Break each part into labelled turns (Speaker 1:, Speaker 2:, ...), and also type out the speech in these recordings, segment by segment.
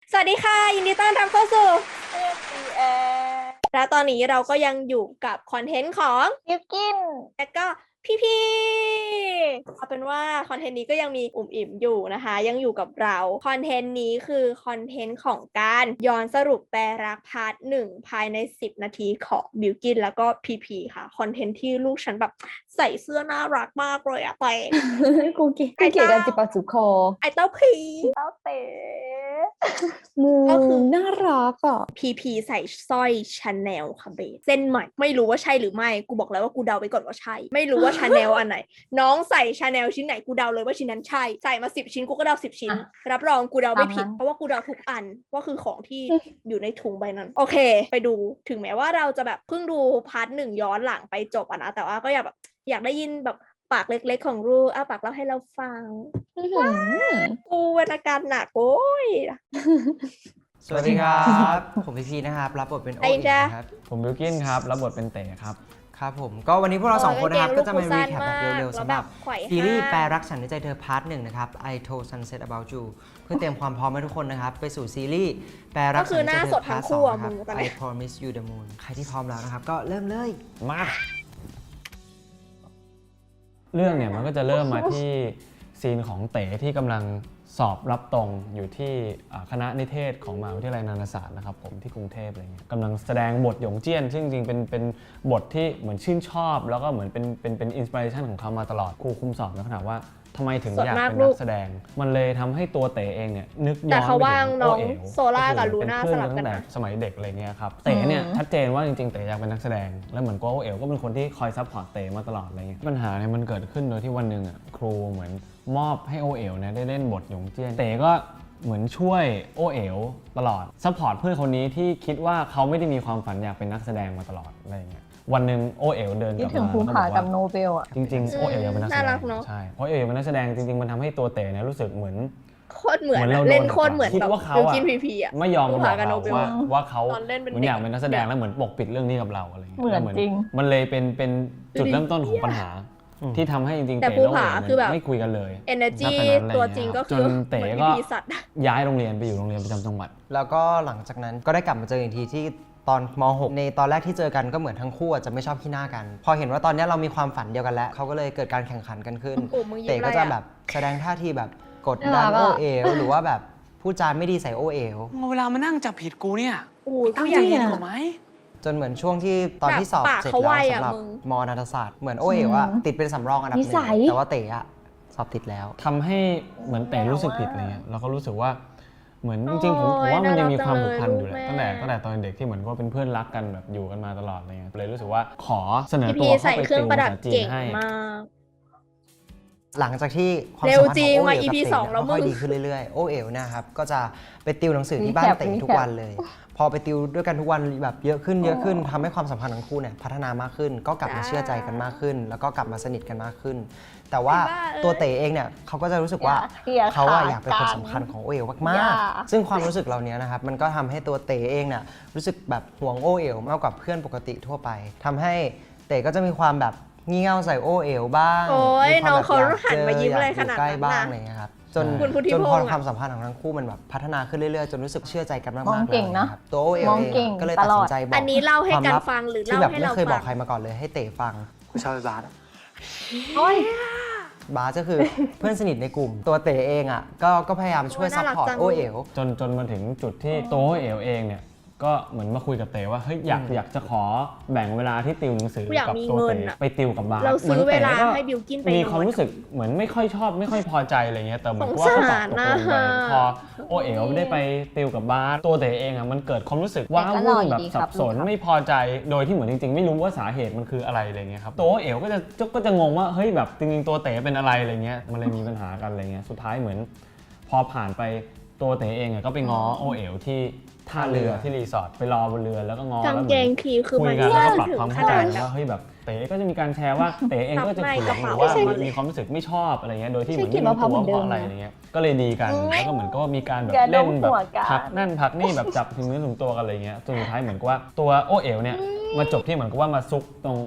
Speaker 1: สวัสดีค่ะยินดีต้อนรับเข้าสู่
Speaker 2: FBA
Speaker 1: และตอนนี้เราก็ยังอยู่กับคอนเทนต์ของ
Speaker 2: บิวกิน
Speaker 1: และก็พี่เอาเป็นว่าคอนเทนต์นี้ก็ยังมีอุ่มอิ่มอยู่นะคะยังอยู่กับเราคอนเทนต์นี้คือคอนเทนต์ของการย้อนสรุปแปลรักพาร์ท1ภายใน10นาทีของบิวกินแล้วก็พีค่ะคอนเทนต์ที่ลูกฉันแบบใส่เสื้อน่ารักมากเลยอะไป
Speaker 3: กูเก๋กันจิปาจุคอ
Speaker 1: ไอเต้าพี
Speaker 2: เต้าเต๋
Speaker 3: มื
Speaker 1: ก็คือ
Speaker 3: น่ารักอ่ะ
Speaker 1: พีใส่สร้อยชาแนลค่ะเบสเส้นใหม่ไม่รู้ว่าใช่หรือไม่กูบอกแล้วว่ากูเดาไปก่อนว่าใช่ไม่รู้ว่าชาแนลอันไหนน้องใส่ชาแนลชิ้นไหนกูเดาเลยว่าชิ้นนั้นใช่ใส่มา10 ชิ้นกูก็เดา10 ชิ้นรับรองกูเดาไม่ผิดเพราะว่ากูเดาทุกอันว่าคือของที่อยู่ในถุงใบนั้นโอเคไปดูถึงแม้ว่าเราจะแบบเพิ่งดูพาร์ท1ย้อนหลังไปจบนะแต่ว่าก็อยากได้ยินแบบปากเล็กๆของรูปากเล่าให้เราฟังกูวรรณการหนักโอ้ย
Speaker 4: สวัสดีครับ ผมพีนะครับรับบทเป็นโอ
Speaker 1: ไอ้
Speaker 4: อิง
Speaker 1: จ๊ะ
Speaker 4: นะครับ
Speaker 5: ผมบิวกินครับรับบทเป็นเต๋ครับ
Speaker 4: ครับผมก็วันนี้พวกเราสองคนนะครับก็จะมารีแคปแบบเร็วๆ
Speaker 1: แล้ว
Speaker 4: สำ
Speaker 1: แบ
Speaker 4: หรั
Speaker 1: บบ ไขว่
Speaker 4: ซีรีส์
Speaker 1: ห้าง
Speaker 4: แปลรักฉันในใจเธอพาร์ท1นะครับ I Told Sunset About You เพื่อเตรียมความพร้อมให้ทุกคนนะครับไปสู่ซีรีส์แปลรักฉันในใจเธอพาร์ท2นะครับ I Promise You the Moon ใครที่พร้อมแล้วนะครับก็เริ่มเลย
Speaker 5: มาเรื่องเนี่ยมันก็จะเริ่มมาที่ซีนของเต๋ที่กำลังสอบรับตรงอยู่ที่คณะนิเทศของมหาวิทยาลัยนานาศาสตร์นะครับผมที่กรุงเทพอะไรเงี้ยกำลังแสดงบทหยงเจี้ยนซึ่งจริงๆเป็นบทที่เหมือนชื่นชอบแล้วก็เหมือนเป็นอินสปิเรชันของเขามาตลอดครูคุมสอบแล้วถามว่าทำไมถึงอยากเป็นนักแสดงมันเลยทำให้ตัวเต๋เองเนี่ยนึกย้อนไปถึง
Speaker 1: แต่เขาว่างน้อง
Speaker 5: โเอ๋ว
Speaker 1: โซล่ากับลูน่า
Speaker 5: เป็
Speaker 1: ส
Speaker 5: เพื่อ
Speaker 1: ลับกัน
Speaker 5: ตั้งแต่
Speaker 1: นะ
Speaker 5: สมัยเด็กอะไรเงี้ยครับเต๋เนี่ยชัดเจนว่าจริงๆเต๋อยากเป็นนักแสดงแล้วเหมือนโกโอเอ๋วก็เป็นคนที่คอยซัพพอร์ตเต๋มาตลอดอะไรเงี้ยปัญหาเนี่ยมันเกิดขึ้นโดยที่วันหนึ่งอ่ะครูเหมือนมอบให้โอเอ๋วเนี่ยได้เล่นบทหยงเจี้ยนเต๋ก็เหมือนช่วยโอเอ๋วตลอดซัพพอร์ตเพื่อนคนนี้ที่คิดว่าเขาไม่ได้มีความฝันอยากเป็นนักแสดงมาตลอดอะไรเงี้ยวันหนึ่งโอเอ๋วเดินก
Speaker 3: คิด
Speaker 5: ลับ
Speaker 3: ถึง
Speaker 5: มา
Speaker 3: ภู
Speaker 5: แล้วก็
Speaker 3: ผา
Speaker 5: บอก
Speaker 3: กับ
Speaker 5: ว่า
Speaker 3: โนเบลอ่ะ
Speaker 5: จริงๆโอเอ๋วอยากเป็นนักแสด
Speaker 1: น่าง รักเนอะ
Speaker 5: ใช่เพราะโอเอ๋วเป็นนักแสดงจริงๆมันทำให้ตัวเต๋เนี่ยรู้สึกเหมือน
Speaker 1: โคตรเหมือน
Speaker 5: เรา
Speaker 1: เล่นโคตรเหมือน
Speaker 5: คิด
Speaker 1: แบบ
Speaker 5: ว่าเขา
Speaker 1: บิว
Speaker 5: อะ
Speaker 1: กินพีอะ
Speaker 5: ไม่ยอมมาบอก
Speaker 1: กับโน
Speaker 5: เรา
Speaker 1: เบล
Speaker 5: ว่าเขา
Speaker 1: ตอนเล่นเป็น
Speaker 5: เหมือนอยาก
Speaker 1: เด็ก
Speaker 5: เป็นนักแสดงแล้วเหมือนปกปิดเรื่องนี้กับเราอะไรอย่างเงี้ย
Speaker 3: เหมือน
Speaker 5: แล้ว
Speaker 3: จริง
Speaker 5: มันเลยเป็นจุดเริ่มต้นของปัญหาที่ทำให้จริงๆ
Speaker 1: แต่
Speaker 5: เต๋
Speaker 1: ภู
Speaker 5: และ
Speaker 1: ผา
Speaker 5: เอ๋
Speaker 1: คือแบบ
Speaker 5: ไม่คุยกันเลย
Speaker 1: energy
Speaker 5: ณตอนนั้นอะไร
Speaker 1: ตัว
Speaker 5: เงี้ย
Speaker 1: จริงก็
Speaker 5: จ
Speaker 1: คื
Speaker 5: น
Speaker 1: อ
Speaker 5: เต๋
Speaker 1: เหมือน
Speaker 5: ก็
Speaker 1: พีสัตว์
Speaker 5: ย้ายโรงเรียนไปอยู่โรงเรียนประจำจังหวัด
Speaker 4: แล้วก็หลังจากนั้นก็ได้กลับมาเจออีกทีที่ตอนม .6 ในตอนแรกที่เจอกันก็เหมือนทั้งคู่อาจจะไม่ชอบขี้หน้ากัน พอเห็นว่าตอนนี้เรามีความฝันเดียวกันแล้วเขาก็เลยเกิดการแข่งขันกันขึ้น
Speaker 1: โอ้มึงยิ้ม
Speaker 4: เต๋ก็จะ
Speaker 1: อะไรอะ
Speaker 4: แบบแสดงท่าทีแบบกดดัน
Speaker 3: น่ารั
Speaker 4: โอก
Speaker 3: อะ
Speaker 4: เอ๋วหรือว่าแบบพูดจาไม่ดีใส่โอเอ๋ว
Speaker 2: เอาเวลามานั่งจับผิดกูเนี่ย
Speaker 1: โอ้ย
Speaker 2: ตั้
Speaker 1: กู
Speaker 2: ง
Speaker 1: อยาก
Speaker 2: ใจเรี
Speaker 1: เห็
Speaker 2: ย
Speaker 1: น
Speaker 2: นกว่าไหม
Speaker 4: จนเหมือนช่วงที่ตอนที่สอบ
Speaker 1: ปาก
Speaker 4: เสร็จ
Speaker 1: เขาไว
Speaker 4: แล้ว
Speaker 1: อะ
Speaker 4: สำหรับ
Speaker 1: มึง
Speaker 4: มนาฏศาสตร์เหมือนโอเอ๋วอะติดเป็นสำรองอันดับห
Speaker 3: นิ
Speaker 4: นึ่
Speaker 3: สั
Speaker 4: ง
Speaker 3: ย
Speaker 4: แต่ว่าเต๋อะสอบติดแล้ว
Speaker 5: ทำให้เหมือนเต๋รู้สึกผิดอะไรเงี้ยแล้วก็รู้สึกว่าเหมือนจริงๆผมว่ามันยังมีความผูกพันอยู่แหละตั้งแต่ตอนเด็กที่เหมือนว่าเป็นเพื่อนรักกันแบบอยู่กันมาตลอดอะไรเงี้ยเลยรู้สึกว่าขอเสนอ
Speaker 1: พี
Speaker 5: ตัว
Speaker 1: ใส่
Speaker 5: เข้าไป
Speaker 1: เครื่อ
Speaker 5: ติ
Speaker 1: ง
Speaker 5: ว
Speaker 1: ประ
Speaker 5: ภา
Speaker 1: ดับ
Speaker 5: ษาจีน
Speaker 1: เก่ง
Speaker 5: ให้
Speaker 1: มาก
Speaker 4: หลังจากที่ความ
Speaker 1: เร็
Speaker 4: สั
Speaker 1: ว
Speaker 4: มพันธ์
Speaker 1: จริ
Speaker 4: ของ งโอ
Speaker 1: ว่ะ
Speaker 4: เอ๋ว
Speaker 1: EP
Speaker 4: กับ
Speaker 1: สอง
Speaker 4: เต๋
Speaker 1: แล้ว
Speaker 4: ค่อย
Speaker 1: มึง
Speaker 4: ดีขึ้นเรื่อยๆโอเอ๋วเนะครับก็จะไปติวหนังสือที่บ้านเต๋ทุกวันเลย พอไปติวด้วยกันทุกวันแบบเยอะขึ้นทำให้ความสัมพันธ์ของคู่เนี่ยพัฒนามากขึ้น ก็กลับมาเชื่อใจกันมากขึ้น แล้วก็กลับมาสนิทกันมากขึ้น แต่ว่าตัวเต๋เองเนี่ยเขาก็จะรู้สึกว่า
Speaker 3: อย่า
Speaker 4: เขาอะ
Speaker 3: ขาด
Speaker 4: อยากเป็นคน
Speaker 3: กัน
Speaker 4: สำคัญของโอเอ๋ว
Speaker 3: อ
Speaker 4: มาก
Speaker 3: ย่า
Speaker 4: ๆซึ่งความรู้สึกเหล่านี้นะครับมันก็ทำให้ตัวเต๋เองเนี่ยรู้สึกแบบห่วงโอเอ๋วมากกว่าเพื่อนปกติทั่วไปทำให้เต๋ก็จะมีความแบบงี่เง่าใส่โอเอ๋วบ้าง
Speaker 1: โอ้ย
Speaker 4: มีควม
Speaker 1: น้อง
Speaker 4: แบบ
Speaker 1: เขา
Speaker 4: อยก
Speaker 1: หันมายิ้มอะไรขนาด
Speaker 4: ใกล้
Speaker 1: นั้น
Speaker 4: บ้าง
Speaker 1: น่ะ
Speaker 4: อะไรอย่างเงี้ยครับจน
Speaker 1: คุณพุทธิ
Speaker 4: จน
Speaker 1: พ
Speaker 4: พอง
Speaker 1: ษ์อะ
Speaker 4: ความสัมพันธ์ของทั้งคู่มันแบบพัฒนาขึ้นเรื่อยๆ จนรู้สึกเชื่อใจกันมากๆ
Speaker 3: มองเก่ง
Speaker 4: แล้ว
Speaker 3: นะ
Speaker 4: ครับตัวโอเอ๋ว
Speaker 3: มอง
Speaker 4: เอง
Speaker 3: เก่ง
Speaker 4: ก็เลย
Speaker 3: ต
Speaker 4: ตัด
Speaker 3: ลอ
Speaker 4: สิ
Speaker 3: ด
Speaker 4: นใจบอก
Speaker 1: อันนี้เล่าให้กัน
Speaker 4: ควมลับ
Speaker 1: ฟังหรือ
Speaker 4: ที่
Speaker 1: เล่า
Speaker 4: แบบ
Speaker 1: ให้
Speaker 4: ไม่
Speaker 1: เรา
Speaker 4: เคยบ
Speaker 1: ฟั
Speaker 4: อง กใครมาก่อนเลยให้เต๋ฟัง
Speaker 2: กูชอบไอ้บาส
Speaker 3: โอ้ย
Speaker 4: บาสก็คือ เพื่อนสนิทในกลุ่ม ตัวเต๋เองอ่ะก็พยายามช่วย
Speaker 1: โอ้ย
Speaker 4: ซัพ
Speaker 1: น่ารัก
Speaker 4: พอร์ต
Speaker 1: จัง
Speaker 4: โอเอ๋ว
Speaker 5: จนมาถึงจุดที่ตัวเอ๋วเองเนี่ยก็เหมือนมาคุยกับเต๋ว่าเฮ้ยอยากจะขอแบ่งเวลาที่ติวหนังสือ
Speaker 1: กูอยาก
Speaker 5: กับ
Speaker 1: มี
Speaker 5: ตัว
Speaker 1: เงิน
Speaker 5: เต๋
Speaker 1: อะ
Speaker 5: ไปติวกับบาส
Speaker 1: เราซื้อ
Speaker 5: หมืนต๋
Speaker 1: เวลา
Speaker 5: ก็
Speaker 1: ให้บิวกินไป
Speaker 5: มีความ
Speaker 1: นอน
Speaker 5: รู้สึกเหมือนไม่ค่อยชอบไม่ค่อยพอใจอะไรเงี้ยแต่เหมือน
Speaker 1: สง
Speaker 5: ว่าเขาต
Speaker 1: สา
Speaker 5: อบ
Speaker 1: ร
Speaker 5: ตกลงไป
Speaker 1: นะ
Speaker 5: พอโอเอ๋วได้ไปติวกับบาสตัวเต๋เองอ่ะมันเกิดความรู้สึกว้า
Speaker 3: แต่ก็หล่
Speaker 5: วุ่
Speaker 3: อน อยู่
Speaker 5: แบบ
Speaker 3: ดีค
Speaker 5: สั
Speaker 3: รับบ
Speaker 5: สน
Speaker 3: ลูกครับ
Speaker 5: ไม่พอใจโดยที่เหมือนจริงๆไม่รู้ว่าสาเหตุมันคืออะไรอะไรเงี้ยครับตัวโอเอ๋วก็จะงงว่าเฮ้ยแบบจริงๆตัวเต๋เป็นอะไรอะไรเงี้ยมันเลยมีปัญหากันอะไรเงี้ยสุดท้ายเหมือน พอผ่านไปตัวเต๋เองอะก็ไปง้อโอเอ๋วที่ท่าเรือที่รีสอร์ทไปรอบนเรือแล้วก็ง้อก
Speaker 1: าง
Speaker 5: แล้ว
Speaker 1: เกงพีคือ
Speaker 5: คุ
Speaker 1: มั
Speaker 5: ย
Speaker 1: น
Speaker 5: กันแล้วก็ปรับ
Speaker 1: ถึง
Speaker 5: ความ
Speaker 1: ข
Speaker 5: เข้าใจ
Speaker 1: นาดแบบ
Speaker 5: ว่าเฮ้ยแบบเต๋ก็จะมีการแชร์ว่าเต๋เองก็จะ
Speaker 1: ซับใน
Speaker 5: เถียง
Speaker 1: กระ
Speaker 5: ห
Speaker 1: เป๋า
Speaker 5: รือว่า
Speaker 1: ใช่
Speaker 5: มีความรู้สึกไม่ชอบอะไรเงี้ยโดยที่เหมือน
Speaker 3: ใช่
Speaker 5: ไม่รู้ตัว
Speaker 3: คิดว่า
Speaker 5: ว่าเพราะ
Speaker 3: เหมือนเดิม
Speaker 5: อะไรอะไรเงี้ยก็เลยดีกันแล้วก็เหมือนก็มีการแบบ
Speaker 3: อย่า
Speaker 5: เล่น
Speaker 3: ดม
Speaker 5: แบบ
Speaker 3: หัวกัน
Speaker 5: พักนั่นพักนี่แบบจับถึงเนื้อถึงตัวกันอะไรเงี้ยจนสุดท้ายเหมือนกับว่าตัวโอเอ๋วเนี่ยมาจบที่เหมือนกับว่ามาซุกตรง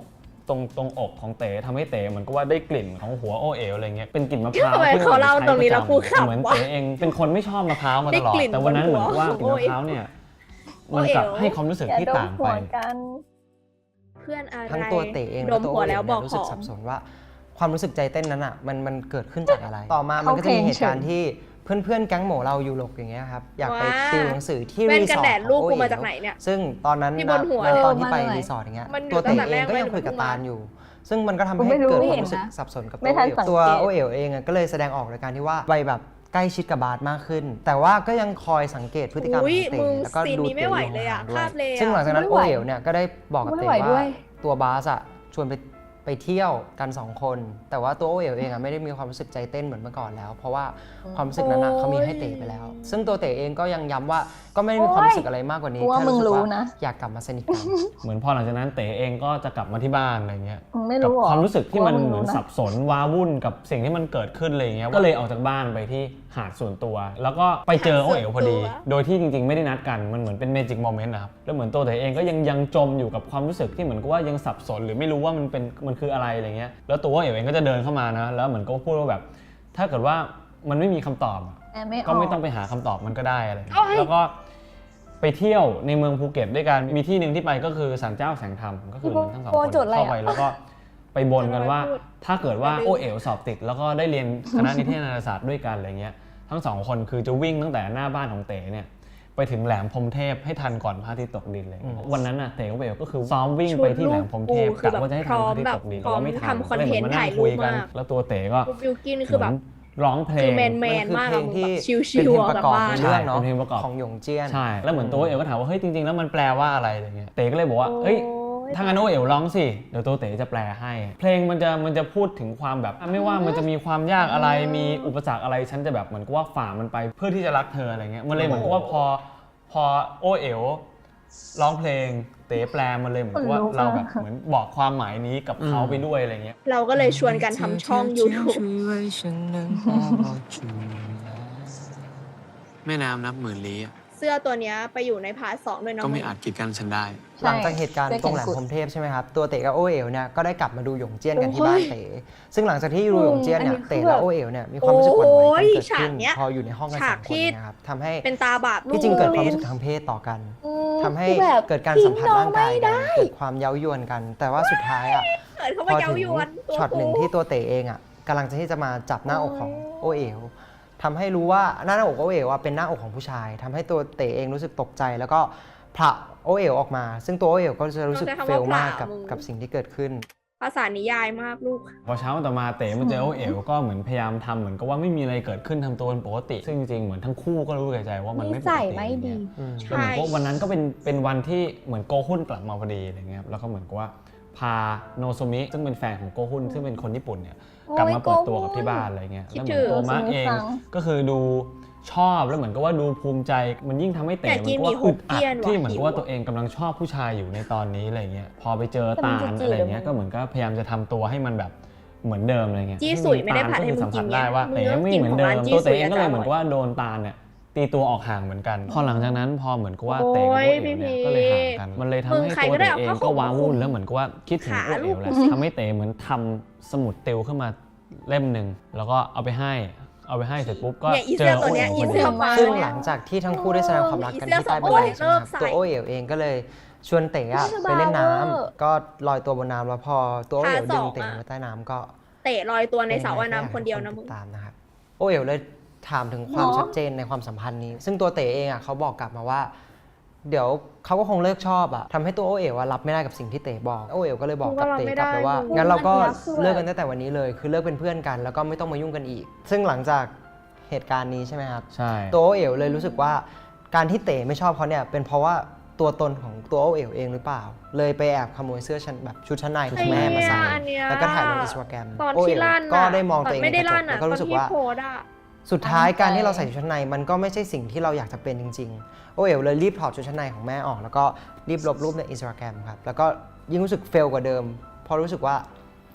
Speaker 5: ตรงอกของเต๋ทำให้เต๋เหมือนกับว่าได้กลิ่นของหัวโอเอ๋วอะไรเงี้ยเป็นกลิ่นมะพร้าว
Speaker 1: ทำไมเขาเล่าตรงนี้แล้วกูขำ
Speaker 5: เหมือน
Speaker 1: วะ
Speaker 5: เต๋เองเป็นคนไม่ชอบมะพร้าวมาตลอด
Speaker 1: ได้กลิ่น
Speaker 5: แต่วันนั้นเหมือนกับว่า
Speaker 1: บน
Speaker 5: ก
Speaker 1: หั
Speaker 5: ลิ่
Speaker 1: วน
Speaker 5: มะพร้าวเนี่ย
Speaker 1: โอ
Speaker 5: มัน
Speaker 1: เอ๋ว
Speaker 5: กลับให้ความรู้สึก
Speaker 3: อย่า
Speaker 5: ที่
Speaker 3: ดม
Speaker 5: ต่าง
Speaker 3: หั
Speaker 5: ไป
Speaker 3: วกัน
Speaker 1: เพื่อนอะไร
Speaker 4: ทั้งตัวเต๋เอง
Speaker 1: ด
Speaker 4: และ
Speaker 1: ม
Speaker 4: ตัว
Speaker 1: หัว
Speaker 4: โอเอ๋
Speaker 1: แล้ว
Speaker 4: ว
Speaker 1: บ
Speaker 4: เนี่
Speaker 1: อย ก
Speaker 4: รู้
Speaker 1: ข
Speaker 4: สึก
Speaker 1: อง
Speaker 4: สับสนว่าความรู้สึกใจเต้นนั้นอ่ะมันเกิดขึ้นจากอะไร ต่อมามันก็จะมีเหตุการณ์ที่เพื่อนๆแก๊งโหมเรายูโรกอย่างเงี้ยครับอยากไปติวหนังสือที่
Speaker 1: แว่น
Speaker 4: รี
Speaker 1: กั
Speaker 4: ส
Speaker 1: น
Speaker 4: อ
Speaker 1: แด
Speaker 4: ร์
Speaker 1: ด
Speaker 4: ท
Speaker 1: ลูก
Speaker 4: ของโอ
Speaker 1: กูมา
Speaker 4: เอ๋
Speaker 1: จากไหนเนี่ย
Speaker 4: ซึ่งตอนนั้น
Speaker 1: ที่บนหัว
Speaker 4: ตอนที่ไป
Speaker 3: มาเลย
Speaker 4: รีสอร์ทอย่างเงี้ย
Speaker 1: มันอยู่
Speaker 4: ตัวเต๋
Speaker 1: ตั้งแต่
Speaker 4: เองก็
Speaker 1: แรก
Speaker 4: ยังคุยกับ
Speaker 1: เลย
Speaker 4: ตาลอยู่ ซึ่งมันก็ทำ
Speaker 3: กู
Speaker 4: ให้
Speaker 3: ไม่รู้
Speaker 4: เกิด
Speaker 3: ไม่
Speaker 4: ควา
Speaker 3: เห็
Speaker 4: ม
Speaker 3: น
Speaker 4: รู้สึก
Speaker 3: นะ
Speaker 4: สับสนกับ
Speaker 3: ไม่ทันสังเกต
Speaker 4: ตัวโอเอ๋วเองอะก็เลยแสดงออกในการที่ว่าไปแบบใกล้ชิดกับบาสมากขึ้น แต่ว่าก็ยังคอยสังเกตพฤติกรรมข
Speaker 1: อุ๊
Speaker 4: อย งเต๋
Speaker 1: มึง
Speaker 4: แล้วก็
Speaker 1: ซีน
Speaker 4: ดู
Speaker 1: นี้
Speaker 4: เต๋
Speaker 1: ไม่ไหว
Speaker 4: อยู่
Speaker 1: เลยอะ
Speaker 4: ห่างๆด้ว
Speaker 1: คาบเลยอะ
Speaker 4: ซึ่งหลังจากนั้น
Speaker 3: ไม่
Speaker 4: โอ
Speaker 3: ไหว
Speaker 4: เอ๋วเนี่ยก็ได้บอกกับ
Speaker 3: ไม่
Speaker 4: เต๋
Speaker 3: ไหวด้
Speaker 4: ว่า
Speaker 3: วย
Speaker 4: ตัวบาสอะชวนไปเที่ยวกัน2คนแต่ว่าตัวโอเอ๋วเองอะไม่ได้มีความรู้สึกใจเต้นเหมือนเมื่อก่อนแล้ว เพราะว่าความรู้สึกนั้นอะเขามีให้เต๋ไปแล้ว ซึ่งตัวเต๋เองก็ยังย้ำว่าก็ไม่ได้มีความรู้สึกอะไรมากกว่านี้
Speaker 3: กูว่า
Speaker 4: แค่
Speaker 3: มึง
Speaker 4: สึก
Speaker 3: รู้
Speaker 4: ว่า
Speaker 3: นะ
Speaker 4: อยากกลับมาสนิทกัน
Speaker 5: เหมือนพอหลังจากนั้นเต๋เองก็จะกลับมาที่บ้านอะไรเงี้ย
Speaker 3: มึงไม่
Speaker 5: กั
Speaker 3: รู้หรอ
Speaker 5: ความรู้สึกที่มัน
Speaker 3: กูว่ามึง
Speaker 5: เหมือน
Speaker 3: รู้นะ
Speaker 5: สับสนว้าวุ่นกับสิ่งที่มันเกิดขึ้นอะไรเงี้ยก็เลยออกจากบ้านไปที่หาดส่วนตัว แล้วก็ไปเจอโอเอ๋วพอดี โดยที่จริงๆไม่ได้นัดกันมันเหมือนเป็นเมจิกโมเมนต์นะครับแล้วเหมือนตัวเต๋เองก็ยังจมอยู่กับความรู้สึกที่เหมือนกับว่ายังสับสนหรือไม่รู้ว่ามันคืออะไรอะไรเงี้ยแล้วตัวโอเอ๋วเองก็จะเดินเข้ามานะแล้วเหมือนก็พูดว่าแบบถ้าเกิดว่ามันไม่มีคำตอบอะ
Speaker 3: แอบไม่ออก
Speaker 5: ก็ไม่ต้องไปหาคำตอบมันก็ได้อะไรอย่างเงี้ยแล้วก็ไปเที่ยวในเมืองภูเก็ตด้วยกัน มีที่หนึ่งที่ไปก็คือศาลเจ้าแสงธรรมก็คือเหมือนทั้งสองคน
Speaker 3: โจทย์อะไรอะ
Speaker 5: เข้าไปแล้วก็ไปบนกันว่า ถ้าเกิดว่าโอเอ๋วสอบติด แล้วก็ได้เรียนคณะนิเทศนาฏศาสตร์ด้วยกันอะไรเงี้ยทั้งสองคนคือจะวิ่งตั้งแต่หน้าบ้านของเต๋เนี่ยไปถึงแหลมพรหมเทพให้ทันก่อนพระอาทิตย์ตกดินเลยวันนั้นน่ะเต๋กับโอเอ๋วก็คือซ้อมวิ่งไปที่แหลมพรหมเทพกะว่าจะให้ทันพระอาทิตย์ตกดินแต่ว่าไม่ทัน
Speaker 1: ทำคอนเทนต์
Speaker 5: ก็ลยหมื
Speaker 1: ถ่าย
Speaker 5: ม
Speaker 1: รู
Speaker 5: คุ
Speaker 1: ป
Speaker 5: ยกัน
Speaker 1: มาก
Speaker 5: แล้วตัวเต๋ก็
Speaker 1: บิวกินคือแบบ
Speaker 5: เหมือนร้องเพล
Speaker 1: คือง แมน
Speaker 4: มัน
Speaker 1: มาก
Speaker 4: คือ
Speaker 1: อะ
Speaker 4: เพลงที่
Speaker 1: แบบชิ
Speaker 4: เป็น
Speaker 1: ว
Speaker 4: เพลง
Speaker 1: ๆ
Speaker 4: ประกอบ
Speaker 1: บ้าน
Speaker 4: ในเรื่องเนาะ
Speaker 5: เป็นเพลงประกอบ
Speaker 4: ของหยงเจี้ยน
Speaker 5: ใช่ แล้วเหมือนตัวเอ๋วก็ถามว่าเฮ้ยจริงๆแล้วมันแปลว่าอะไรอะไรเงี้ยเต๋ก็เลยบอกว่าเอ้ยถ้างั้นโอเอ๋วร้องสิเดี๋ยวตัวเต๋จะแปลให้ เพลงมันจะพูดถึงความแบบไม่ว่ามันจะมีความยากอะไรมีอุปสรรคอะไรฉันจะแบบเหมือนกับว่าฝ่ามันไปเพื่อที่จะรักเธออะไรเงี้ยมันเลยเหมือนกับว่าพอโอเอ๋วร้องเพลงเต๋แปลมันเลยเหมือนกับว่าเราแบบเหมือนบอกความหมายนี้กับเขาไปด้วยอะไรเงี้ย
Speaker 1: เราก็เลยชวนกันทำช่อง YouTube
Speaker 2: แม่น้ำนับหมื่นลี้อะ
Speaker 1: เสื้อตัวเนี้ยไปอยู่ในพาร์ท 2ด้วยนะ
Speaker 2: ก็ไม่
Speaker 1: มึง
Speaker 2: อาจกีดกันฉันได้
Speaker 4: หลังจากเหตุการณ์ตรงแหลมพรหมเทพใช่ไหมครับ ตัวเต๋กับโอเอ๋วเนี่ยก็ได้กลับมาดูหยงเจี้ยนกันที่บ้านเต๋ซึ่งหลังจากที่ดูหยงเจี้ยนเนี่ยเต๋และโอเอ๋วเนี่ยมีความรู้สึกหวั่นไหวกันเกิดขึ้นพออยู่ในห้องกันสองคนเนะครับทำให้
Speaker 1: เป็นตาบาปลูก
Speaker 4: ที่จริงเกิดความรู้สึกทางเพศต่อกันทำให้
Speaker 3: คือแบบ
Speaker 4: เกิดการสัมผัสร่างกายกันเกิดความเย้ายวนกัน แต่ว่าสุดท้ายอ่ะ
Speaker 1: เกิดเข้า
Speaker 4: พ
Speaker 1: มา
Speaker 4: อ
Speaker 1: เย้า
Speaker 4: ถึง
Speaker 1: ยวนตัว
Speaker 4: ช็อตหนึ่งที่ตัวเต๋เองอ่ะกำลังจะที่จะมาจับหน้าอกของโอเอ๋วทำให้รู้ว่าหน้าอกโอเอ๋วอะเป็นหน้าอกของผู้ชายทำให้ตัวเต๋เองรู้สึกตกใจแล้วก็ผละโอเอ๋วออกมา ซึ่งตัวโอเอ๋วก็จะรู้สึกเฟลมากกับสิ่งที่เกิดขึ้น
Speaker 1: ภาษานิยายมากลูก
Speaker 5: พอเช้าวันต่อมาเต๋มันเจอโอเอ๋วก็เหมือนพยายามทำเหมือนกับว่าไม่มีอะไรเกิดขึ้นทำตัวเป็นปกติ ซึ่งจริงๆเหมือนทั้งคู่ก็รู้ในใจว่ามันไม่ปก
Speaker 3: นิสัย
Speaker 5: ติ
Speaker 3: ไม่ดี
Speaker 5: แล้วเหมือนกับวันนั้นก็เป็นวันที่เหมือนโกฮุนกลับมาพอดีอะไรเงี้ยครับแล้วก็เหมือนกับว่าพาโนโซมิซึ่งเป็นแฟนของโกฮุนซึ่งเป็นคนญี่ปุ่นเนี่ยกลับมาเปิดตัวกับที่บ้านอะไรเงี้ย
Speaker 1: คิด
Speaker 5: แล้วเหมือนตัวมะเอง
Speaker 3: ถึง
Speaker 5: ก็คือดูชอบแล้วเหมือนกับว่าดูภูมิใจมันยิ่งทำให้เต๋
Speaker 1: อยาก
Speaker 5: เหมื
Speaker 1: กิ
Speaker 5: อน นกับ
Speaker 1: หมี่
Speaker 5: ว่า
Speaker 1: ฮ
Speaker 5: อึ
Speaker 1: ก
Speaker 5: ดอัด
Speaker 1: เกี้ยนว่ะ
Speaker 5: ที่เหมือนกับว่า
Speaker 1: หิว
Speaker 5: ตัวเองกำลังชอบผู้ชายอยู่ในตอนนี้อะไรเงี้ยพอไปเจอ
Speaker 3: แต่มั
Speaker 5: ตาน ล
Speaker 3: จะจีบ
Speaker 5: อะไรเงี้ย
Speaker 3: เหรอ
Speaker 5: ก็เหมือนก็พยายามจะทำตัวให้มันแบบเหมือนเดิมอะไรเงี้ย
Speaker 1: จี้สุยไม่ได้ผัดให้มึงกิน
Speaker 5: ได้ว่า
Speaker 1: ไง
Speaker 5: เต๋ไม่
Speaker 1: มึง
Speaker 5: เหมือน
Speaker 1: ต้องกินของ
Speaker 5: เดิ
Speaker 1: ร้าน
Speaker 5: ม
Speaker 1: จี้
Speaker 5: ตัว
Speaker 1: สุ
Speaker 5: เต๋
Speaker 1: ย
Speaker 5: เองก็เลย
Speaker 1: จะอร่อย
Speaker 5: เหมือนกับว่าโดนตาลเนี่ยตีตัวออกห่างเหมือนกัน พอหลังจากนั้นพอเหมือนกับว่าเต๋กับโอเอ๋วเนี่ยก็เลยห่างกันมันเลยทำ
Speaker 1: มึง
Speaker 5: ให้
Speaker 1: ใคร
Speaker 5: ตัว
Speaker 1: ก็ได้
Speaker 5: เต๋
Speaker 1: เอา
Speaker 5: เอง
Speaker 1: ผ้า
Speaker 5: ก็
Speaker 1: ห่ม
Speaker 5: ว้าวุ่นแล้วเหมือนกับว่าคิดถึงโอ
Speaker 1: ขาลู
Speaker 5: เอ๋
Speaker 1: ก
Speaker 5: วแหละทำให้เต๋เหมือนทำสมุดติวขึ้นมาเล่มหนึ่งแล้วก็เอาไปให้เสร็จปุ๊บก็
Speaker 1: เนี่ยอี
Speaker 5: เจ
Speaker 1: เสื้อ
Speaker 5: อ
Speaker 1: ตั
Speaker 5: โอ
Speaker 1: วเนี้
Speaker 5: เอ๋
Speaker 1: ยว อี
Speaker 5: พอดี
Speaker 1: เสื้อมา
Speaker 4: ซึ่งหลังจากที่ทั้งคู่ได้แสดงความรักกันที่ใต้บันไดใช่ไหมครับตัวโอเอ๋วเองก็เลยชวนเต๋อะไปเล่นน้ำก็ลอยตัวบนน้ำแล้วพอตัวโอเอ๋วดึงเต๋ไว้ใต้น้ำก็
Speaker 1: เตะลอยตัวในสระว่ายน้ำคนเดียวนะมึง
Speaker 4: ติตามนะครับโอเอ๋วเลยถามถึงความชัดเจนในความสัมพันธ์นี้ ซึ่งตัวเต๋เองอ่ะเขาบอกกลับมาว่า เดี๋ยวเขาก็คงเลิกชอบอ่ะทำให้ตัวโอเอ๋วรับไม่ได้กับสิ่งที่เต๋บอกโอเอ๋วก็เลยบอกกับเต๋กลับไปว่างั้นเราก็เลิกกันตั้งแต่วันนี้เลยคือเลิกเป็นเพื่อนกัน แล้วก็ไม่ต้องมายุ่งกันอีก ซึ่งหลังจากเหตุการณ์นี้ใช่ไหมครับ
Speaker 5: ใช่
Speaker 4: ตัวโอเอ๋วเลยรู้สึกว่าการที่เต๋ไม่ชอบเขาเนี่ยเป็นเพราะว่าตัวตนของตัวโอเอ๋วเองหรือเปล่า เลยไปแอบขโมยเสื้อชั้นแบบชุดชั้นในของแม่มาใส่
Speaker 1: อันเนี้ย
Speaker 4: แล้วก็ถ่ายลงอินสตาแกรม
Speaker 1: ตอน
Speaker 4: โอ
Speaker 1: ที่
Speaker 4: เอ๋ว
Speaker 1: ลั่น
Speaker 4: ก็
Speaker 1: น่ะ
Speaker 4: ได้มองตัวเอง
Speaker 1: ไม่
Speaker 4: ใน
Speaker 1: ได้
Speaker 4: กระจ
Speaker 1: ลั่
Speaker 4: ก
Speaker 1: น
Speaker 4: แล้ว
Speaker 1: อ่ะ
Speaker 4: ก็รู้สึกว่า
Speaker 1: ตอนที่โพสต์อะ
Speaker 4: สุดท้ายการที่เราใส่ชุดชั้นในมันก็ไม่ใช่สิ่งที่เราอยากจะเป็นจริงๆโอเอ๋วเลยรีบถอดชุดชั้นในของแม่ออกแล้วก็รีบลบรูปในอินสตาแกรมครับแล้วก็ยิ่งรู้สึกเฟลกว่าเดิมเพราะรู้สึกว่า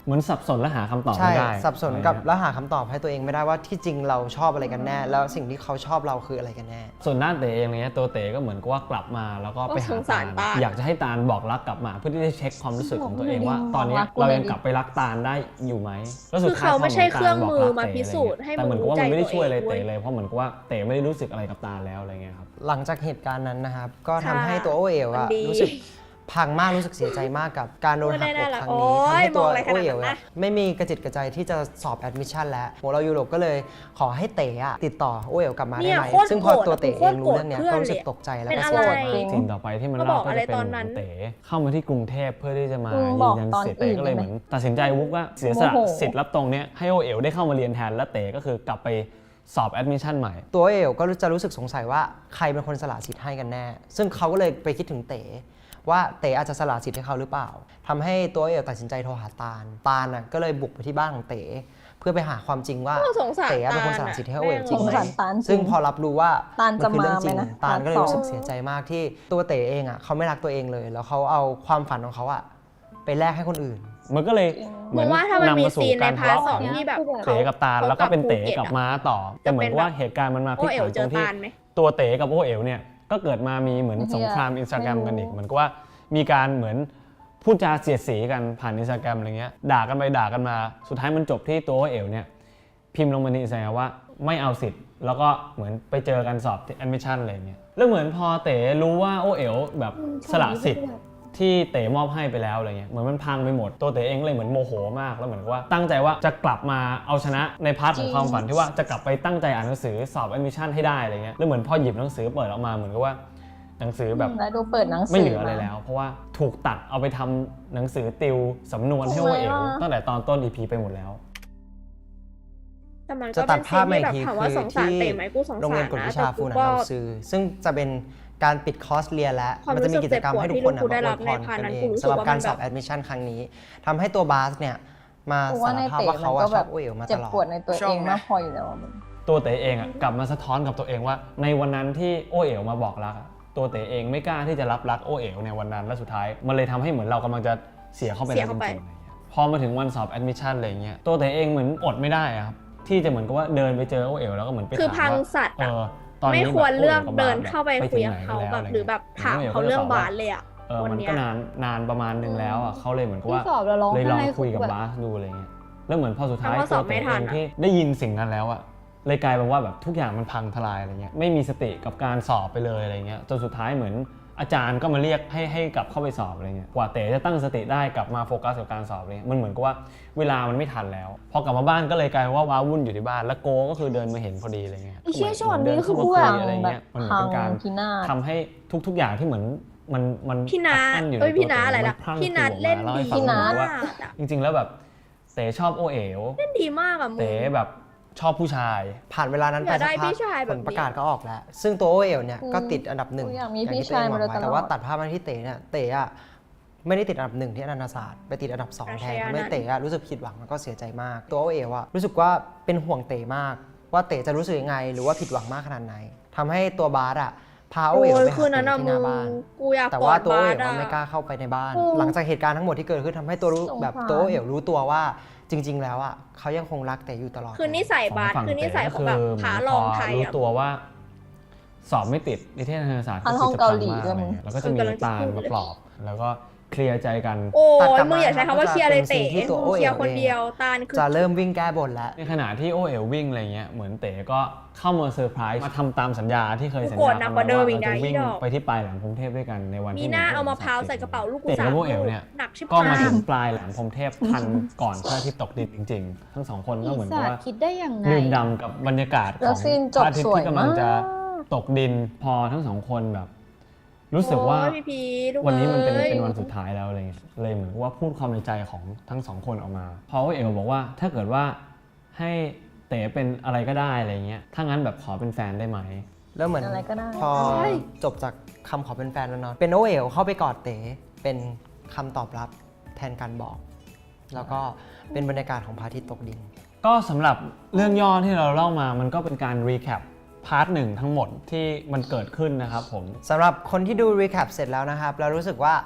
Speaker 5: เหมือนสับสนและหาคำตอบ
Speaker 4: ใช่
Speaker 5: ไม่ได้
Speaker 4: สับสนกับ
Speaker 5: อะไรเงี้ย
Speaker 4: แล้วหาคำตอบให้ตัวเองไม่ได้ว่าที่จริงเราชอบอะไรกันแน่ แล้วสิ่งที่เขาชอบเราคืออะไรกันแน่
Speaker 5: ส่วนด้านเต๋เองเนี่ยตัวเต๋ก็เหมือนกับว่ากลับมาแล้วก็ไปหา
Speaker 1: สงสารตาล
Speaker 5: อยากจะให้ตาลบอกรักกลับมาเพื่อที่จะเช็คความรู้สึกของตัวเอง
Speaker 3: บอก
Speaker 5: ว่า
Speaker 3: ไม่ได้
Speaker 5: ตอนเนี้ย
Speaker 3: บอกรักกู
Speaker 5: เรา
Speaker 3: เลย
Speaker 5: ยัง
Speaker 3: ดิ
Speaker 5: กลับไปรักตาลได้อยู่ไหมแล้วสุด
Speaker 1: คือ
Speaker 5: ท้าย
Speaker 1: เขาไม่ใช่
Speaker 5: พ
Speaker 1: เครื่องมือ
Speaker 5: ตลบก
Speaker 1: มา
Speaker 5: รัก
Speaker 1: พิสูจน์ให้
Speaker 5: แต่เหมือนกับว่า
Speaker 1: มึ
Speaker 5: มั
Speaker 1: ง
Speaker 5: นไม่ได้
Speaker 1: รู้ใจ
Speaker 5: ช่วยอะไร
Speaker 1: ตัวเอง
Speaker 5: เต๋เลยเพราะเหมือนกับว่าเต๋ไม่ได้รู้สึกอะไรกับตาลแล้วอะไรเงี้ยครับ
Speaker 4: หลังจากเหตุการณ์นั้นนะครับ ก็ทำ
Speaker 1: ค่ะ
Speaker 4: ให้ตัวโอเอ๋วอะ
Speaker 1: มันดี
Speaker 4: รู้สึกพังมากรู้สึกเสียใจมากกับการโดนหักอกครั้ง
Speaker 1: โอ้
Speaker 4: นี้
Speaker 1: ย
Speaker 4: ทำให้ตัว
Speaker 1: มองอะไรข
Speaker 4: โอ
Speaker 1: นาดนั้น
Speaker 4: เอ๋ว
Speaker 1: นะ
Speaker 4: อะไม่มีกระจิตกระใจที่จะสอบแอดมิชชั่นแล้วโหเรายูโรก็เลยขอให้เต๋อะติดต่อโอเอ๋วกลับมา
Speaker 1: เนี่
Speaker 4: ได้
Speaker 1: ย
Speaker 4: ไหม
Speaker 1: โคตร
Speaker 4: ซึ่งพอ
Speaker 1: โกรธ
Speaker 4: ตัวเต๋
Speaker 1: โค
Speaker 4: เอ
Speaker 1: ต
Speaker 4: ง
Speaker 1: ร
Speaker 4: รู้เรื่องเนี้ย
Speaker 1: โกรธ
Speaker 4: ก็รู้สึก
Speaker 1: เพื่อน
Speaker 4: ตกใจแล้ว
Speaker 1: เป็น
Speaker 4: ก็
Speaker 1: อะ
Speaker 4: เสี
Speaker 1: ไร
Speaker 4: ยใจ
Speaker 5: สิ่งต่อไปที่มัน
Speaker 1: ก็บ
Speaker 5: เล่า
Speaker 1: อก
Speaker 5: ก็
Speaker 1: อะไร
Speaker 5: จะเป็น
Speaker 1: ตอนนั้น
Speaker 5: เต๋เข้ามาที่กรุงเทพเพื่อที่จะมา
Speaker 3: มึง
Speaker 5: ยื
Speaker 3: บอก
Speaker 5: นยัน
Speaker 3: ตอน
Speaker 5: สิทธิ์เต๋ก็เลย
Speaker 3: อื่นได้ไหม
Speaker 5: เหมือนตัดสินใจวุบว่าเสียสละ
Speaker 3: โมโห
Speaker 5: สิทธิ์รับตรงเนี้ยให้โอเอ๋วได้เข้ามาเรียนแทนและเต๋ก็คือกลับไปสอบแอดมิชชั่นใหม่
Speaker 4: ตัวโอเอ๋วก็จะรู้สึกสงสัยว่าใครเป็นคนสละสิทธิ์ให้กันแน่ ซึ่งเขาก็เลยไปคิดถึงเต๋ว่าเต๋อาจจะสละสิทธิ์ให้เขาหรือเปล่าทำให้ตัวโอเอ๋วตัดสินใจโทรหาตาลน่ะก็เลยบุกไปที่บ้านของเต๋เพื่อไปหาความจริงว่า
Speaker 1: สงสาร
Speaker 4: เต๋เป็นคนส
Speaker 1: ตาล
Speaker 4: ละ
Speaker 1: อะ
Speaker 4: สิทธิ์ให้โอเอ๋วจริง
Speaker 3: สง
Speaker 4: ไหม
Speaker 3: สารตาลจริง
Speaker 4: ซึ่งพอรับรู้ว่า
Speaker 3: ตาลจะ
Speaker 4: คือเรื่องจริง
Speaker 3: มาไหมนะ
Speaker 4: ตาลก็เลย
Speaker 3: ตาล
Speaker 4: รู้สึกเสียใจมากที่ตัวเต๋เองอ่ะเขาไม่รักตัวเองเลย แล้วเขาเอาความฝันของเขาอ่ะไปแลกให้คนอื่น
Speaker 5: มันก็เลยเหมือน
Speaker 1: มึงว่าถ้ามันมี
Speaker 5: นำมาสู่
Speaker 1: ซีนใน
Speaker 5: การ
Speaker 1: พาร์ท
Speaker 5: ทะเลาะ
Speaker 1: ส
Speaker 5: ข
Speaker 1: อ
Speaker 5: อง ง
Speaker 1: ที่แบบ
Speaker 5: เต๋กับตาลแล้วก็เป็นเต๋กับม้าต่อแต่เหมือนว่าเหตุการณ์มันมาพ
Speaker 1: โอ
Speaker 5: ลิก
Speaker 1: เอ๋ว
Speaker 5: ผัน
Speaker 1: เจ
Speaker 5: ตร
Speaker 1: อง
Speaker 5: ที่
Speaker 1: ตาลไหม
Speaker 5: ตัวเต๋กับโอเอ๋วเนี่ยก็เกิดมามีเหมือนสงครามอินสตาแกรมกันอีกเหมือนกับว่ามีการเหมือนพูดจาเสียดสีกันผ่านอินสตาแกรมอะไรเงี้ยด่ากันไปด่ากันมาสุดท้ายมันจบที่ตัวโอเอ๋วเนี่ยพิมพ์ลงมาในอินสตาแกรมว่าไม่เอาสิทธิ์แล้วก็เหมือนไปเจอกันสอบแอดมิชชั่นอะไรเงี้ยแล้วเหมือนพอเต๋รู้ว่าโอเอ๋วแบบสละสิทธิ์ที่เต๋มอบให้ไปแล้วอะไรเงี้ยเหมือนมันพังไปหมดตัวเต๋เองเลยเหมือนโมโหมากแล้วเหมือนกับว่าตั้งใจว่าจะกลับมาเอาชนะในพาร์ทของความฝันที่ว่าจะกลับไปตั้งใจอ่านหนังสือสอบแอดมิชชั่นให้ได้อะไรเงี้ยแล้วเหมือนพอหยิบหนังสือเปิดออกมาเหมือนกับว่าหนังสือแบบ
Speaker 3: แล้วดูเปิดหนังสือ
Speaker 5: ไม่เหลืออะไรแล้ว เพราะว่าถูกตัดเอาไปทำหนังสือติวสำนวนให้โอเอ๋วตั้งแต่ตอนต้น EP ไปหมดแล้ว
Speaker 1: แต่มัน
Speaker 4: จะ
Speaker 1: ก็
Speaker 4: ตั
Speaker 1: เป็
Speaker 4: ด
Speaker 1: น
Speaker 4: ภา
Speaker 1: ซี
Speaker 4: พ
Speaker 1: น
Speaker 4: มา
Speaker 1: ที่
Speaker 4: อีก
Speaker 1: แบบ
Speaker 4: ที
Speaker 1: ถามว่า
Speaker 4: คือ
Speaker 1: สงสาร
Speaker 4: ที่
Speaker 1: เต๋ไหมกูสง
Speaker 4: โรง
Speaker 1: สา
Speaker 4: เรียน
Speaker 1: ร
Speaker 4: กฎ
Speaker 1: นะ
Speaker 4: วิ
Speaker 1: แต่
Speaker 4: ชาฟู
Speaker 1: กู
Speaker 4: นัน
Speaker 1: ก็
Speaker 4: เราซื้อซึ่งจะเป็นการปิดคอร์สเรียนแล้ว
Speaker 1: ความ
Speaker 4: มันจะมีกิจกรรมให้ทุกคน
Speaker 1: รู้สึกเจ็บปวดที่
Speaker 4: มาอวยพร
Speaker 1: ลูกกูได้รับในพาร์ทนั้น
Speaker 4: กั
Speaker 1: กู
Speaker 4: เอง
Speaker 1: รู้สึก
Speaker 4: สำหรับ
Speaker 1: ว่า
Speaker 4: การ
Speaker 1: มัน
Speaker 4: สอบ
Speaker 1: แบบ
Speaker 4: แอดมิชชั่นครั้งนี้ทำให้ตัวบาสเนี่ยมา
Speaker 3: กู
Speaker 4: สา
Speaker 3: ว่าร ใน
Speaker 4: ภาพ
Speaker 3: เต๋
Speaker 4: ว่า
Speaker 3: มัน
Speaker 4: เขา
Speaker 3: ก็
Speaker 4: ช
Speaker 3: แบ
Speaker 4: อบบ โอเอ๋วมาต
Speaker 3: เจ็บ
Speaker 4: ลอด
Speaker 3: ปวดในตัวเองมากพออยู่แล้วอะมึง
Speaker 5: ตัวเต๋เองกลับมาสะท้อนกับตัวเองว่าในวันนั้นที่โอเอ๋วมาบอกรักตัวเต๋เองไม่กล้าที่จะรับรักโอเอ๋วในวันนั้นและสุดท้ายมันเลยทำให้เหมือนเรากำลังจะเสียเข้าไปแล้วจริงๆอะไรเงี้ยพอมาถึงวันสอบแอดมิชชั่นอะไรเงี้ยตัวเต๋เองเหมือนอดไม่ได้อะครับที่จะเหมือนกับว่าเดินไปเจอโอเอ๋วแล้วก็เหมือนไป
Speaker 1: คือ
Speaker 5: ถาม
Speaker 1: พัง
Speaker 5: ว่า
Speaker 1: สัตว์อะ
Speaker 5: ตอน
Speaker 1: ไม่
Speaker 5: นี้
Speaker 1: ควร
Speaker 5: แบบ
Speaker 1: เลือก
Speaker 5: โบ
Speaker 1: เดิน
Speaker 5: แบบ
Speaker 1: เข้าไป
Speaker 5: ถึ
Speaker 1: คุย
Speaker 5: ง
Speaker 1: กับ
Speaker 5: ไหน
Speaker 1: เขา
Speaker 5: แล้ว
Speaker 1: แบบ
Speaker 5: ะไร
Speaker 1: หรือแบบ
Speaker 5: งี้ย
Speaker 1: ถาม
Speaker 5: โอ๋
Speaker 1: เขา
Speaker 5: ก็ลย
Speaker 1: เรื่อง
Speaker 5: ตว่
Speaker 1: บาสเลยอะ วัน
Speaker 5: มัน
Speaker 1: เนี้ย
Speaker 5: ก็นานประมาณหนึ่งแล้วอ่ะเขาเลยเหมือนกับว่า
Speaker 3: ที่สอบแล้วร้อง
Speaker 5: เลยลอง
Speaker 3: ไห้
Speaker 5: คุยกับ
Speaker 3: แบบ
Speaker 5: บาสดูอะไรเงี้ยแล้วเหมือนพอสุดท้าย
Speaker 1: แต่ว่าส
Speaker 5: ตั
Speaker 1: อ
Speaker 5: ว
Speaker 1: บไม่
Speaker 5: เต๋
Speaker 1: ทั
Speaker 5: เอน ง
Speaker 1: อะ
Speaker 5: ที่ได้ยินสิ่งนั้นแล้วอ่ะเลยกลายเป็นว่าแบบทุกอย่างมันพังทลายอะไรเงี้ยไม่มีสติกับการสอบไปเลยอะไรเงี้ยจนสุดท้ายเหมือนอาจารย์ก็มาเรียกให้กลับเข้าไปสอบอะไรเงี้ยกว่าเต๋จะตั้งสติได้กลับมาโฟกัสกับการสอบเลยมันเหมือนกับว่าเวลามันไม่ทันแล้วพอกลับมาบ้านก็เลยกลายเป็นว่าว้าวุ่นอยู่ที่บ้านแล้วโกก็คือเดินมาเห็นพอดีอะไรเงี้ย
Speaker 3: ไอ้เชี่ยช็อต
Speaker 5: เดิ
Speaker 3: นี้คือ
Speaker 5: เข้า
Speaker 3: กู
Speaker 5: มา
Speaker 3: อยาก
Speaker 5: คุยอะไร
Speaker 3: แบ
Speaker 5: เงี้
Speaker 3: บ
Speaker 5: ยมันเหมือน
Speaker 3: พัง
Speaker 5: เป็นการ
Speaker 3: พินาศ
Speaker 5: ทำให้ทุกๆอย่างที่เหมือนมัน
Speaker 1: พี่นัท
Speaker 5: อัดอั้อยู่ใน
Speaker 1: เอ้ย
Speaker 5: ตัว
Speaker 1: พี่นัท
Speaker 5: เต๋
Speaker 1: อะไรล่ะ
Speaker 5: มันพรั่ง
Speaker 1: พี่นัท
Speaker 5: ออกมา
Speaker 1: เล่น
Speaker 5: ล่าให้
Speaker 1: ดี
Speaker 5: ฟัง
Speaker 3: พี่นัท
Speaker 5: ว่า
Speaker 1: มากอะ
Speaker 5: จริงๆแล้วแบบเต๋ชอบโอเอ๋ว
Speaker 1: เล่นดีมากอะมึง
Speaker 5: เต๋แบบชอบผู้ชาย
Speaker 4: ผ่านเวลานั้นไป
Speaker 1: อยาก
Speaker 4: สั
Speaker 1: ได้
Speaker 4: กพั
Speaker 1: พี่
Speaker 4: ก
Speaker 1: ชายแบบ
Speaker 4: ผ
Speaker 1: นี้
Speaker 4: ลประกาศก็ออกแล้ว ซึ่งตัวโอเอ๋วเนี่ยก็ติดอันดับหนึ่ง
Speaker 3: กูอยากมี
Speaker 4: อย่าง
Speaker 3: พี่
Speaker 4: ที่ตัวเองหวัง
Speaker 3: ชายมาโดย
Speaker 4: ไว้
Speaker 3: ตลอด
Speaker 4: แต่ว่าตัดภาพมาที่เต๋เนี่ยเต๋อะไม่ได้ติดอันดับหนึ่งที่อนันตศาสตร์ไปติดอันดับสองแทนทำให้เต๋อะรู้สึกผิดหวังแล้วก็เสียใจมาก ตัวโอเอ๋วอะรู้สึกว่าเป็นห่วงเต๋มาก ว่าเต๋จะรู้สึกยังไง หรือว่าผิดหวังมากขนาดไหนทำให้ตัวบาสอะพาโอ
Speaker 1: โอ้
Speaker 4: เอ๋วไป
Speaker 1: ย
Speaker 4: หา
Speaker 1: คืนนั้น
Speaker 4: เต๋
Speaker 1: อะ
Speaker 4: ที่ห
Speaker 1: มึ
Speaker 4: น้าง บ้าน
Speaker 1: กูอยาก
Speaker 4: แต่
Speaker 1: กอ
Speaker 4: ว่า
Speaker 1: ด
Speaker 4: ตัวโอบ
Speaker 1: า
Speaker 4: เอ๋
Speaker 1: ส
Speaker 4: ว
Speaker 1: อะ
Speaker 4: ไม่กล้าเข้าไปในบ้าน
Speaker 3: อืม
Speaker 4: หลังจากเหตุการณ์ทั้งหมดที่เกิดขึ้นทำให้ตัวรู้
Speaker 3: สงสาร
Speaker 4: แบบตัวโอเอ๋วรู้ตัวว่าจริง ๆ แล้วอะเขายังคงรักเต๋อยู่ตลอด
Speaker 1: คือนิสัยบาส
Speaker 5: ฝั่ง
Speaker 1: คือนิสัยของแบบ
Speaker 5: เต๋
Speaker 1: ขา
Speaker 5: ก็
Speaker 1: ลองไทย
Speaker 5: รู้
Speaker 1: อะ
Speaker 5: ตัวว่า สอบไม่ติดนิเทศศาสตร์
Speaker 3: พันห้องเกาหลีด้วยมึง
Speaker 5: แล้วก็จะมีตาลมาปลอบแล้วก็เคลียร์ใจกัน
Speaker 1: โอ้
Speaker 4: ตัด
Speaker 1: ย
Speaker 4: กลับ
Speaker 1: มึงอย่า
Speaker 4: มา
Speaker 1: ใช้คำว่าเคลียร์เลยเต๋
Speaker 4: เป็นสิ่งที่ตัวโอ
Speaker 1: เค
Speaker 4: เอ๋ว
Speaker 1: ลียร์คนเดียวตาลคือ
Speaker 4: จะเริ่มวิ่งแก้บนแล้ว
Speaker 5: ในขณะที่โอเอ๋ววิ่งอะไรเงี้ยเหมือนเต๋ก็เข้ามาเซอร์ไพรส์มาทำตามสัญญาที่เคยสัญ
Speaker 1: โกร
Speaker 5: ญา
Speaker 1: ธหนั
Speaker 5: กั
Speaker 1: ก
Speaker 5: น
Speaker 1: กว่าเดิมอีก
Speaker 5: เรา
Speaker 1: นะ
Speaker 5: จะวิ่ง
Speaker 1: อีดอก
Speaker 5: ไปที่ปลายแหลมพรหมเทพด้วยกันในวันที่
Speaker 1: มีหน้าเอามะพร้าวใส่กระเป๋าลูกกู
Speaker 5: เต๋
Speaker 1: สา
Speaker 5: กับ
Speaker 1: ม
Speaker 5: โอเอ๋วเนี่ย
Speaker 1: หนักชิบ
Speaker 5: ก็มา
Speaker 1: หาย
Speaker 5: ถึงปลายแหลมพรหมเทพทันก่อนพระอาทิตย์ตกดินจริง ๆ ทั้งสองคนก็เหมือนกับว่า
Speaker 3: คิดได้ยังไง
Speaker 5: ดื่มด่ำกับบรรยากาศข
Speaker 3: แล้
Speaker 5: อ
Speaker 3: ว
Speaker 5: ง
Speaker 3: ซีน
Speaker 5: พ
Speaker 3: จบ
Speaker 5: ระอาทิต
Speaker 3: ส
Speaker 5: ย์
Speaker 3: วย
Speaker 5: ที่กำลังจะ
Speaker 3: มาก
Speaker 5: ตกดินพอทั้งสองคนแบบ รู้สึกว่า
Speaker 1: โอ้ยพี่พีลูก
Speaker 5: วันนี้มันเป็น
Speaker 1: อ้ย
Speaker 5: วันสุดท้ายแล้วอะไรเงี้ยเลยเหมือนกับว่าพูดความในใจของทั้งสองคนออกมาเพราะว่าเอ๋วบอกว่าถ้าเกิดว่าให้เต๋เป็นอะไรก็ได้อะไรเงี้ยถ้างั้นแบบขอเป็นแฟนได้ไหม
Speaker 4: แล้วเหมือน
Speaker 3: อะไรก็ได้
Speaker 4: พอจบจากคำขอเป็นแฟนแล้วเนาะเป็นโอเอ๋วเข้าไปกอดเต๋เป็นคำตอบรับแทนการบอก แล้วก็เป็นบรรยากาศของพระอาทิตย์ตกดิน
Speaker 5: ก็สำหรับเรื่องย่อที่เราเล่ามามันก็เป็นการรีแคปพาร์ทหนึ่งทั้งหมดที่มันเกิดขึ้นนะครับผม
Speaker 4: สำหรับคนที่ดูรีแคปเสร็จแล้วนะครับ แล้วรู้สึกว่า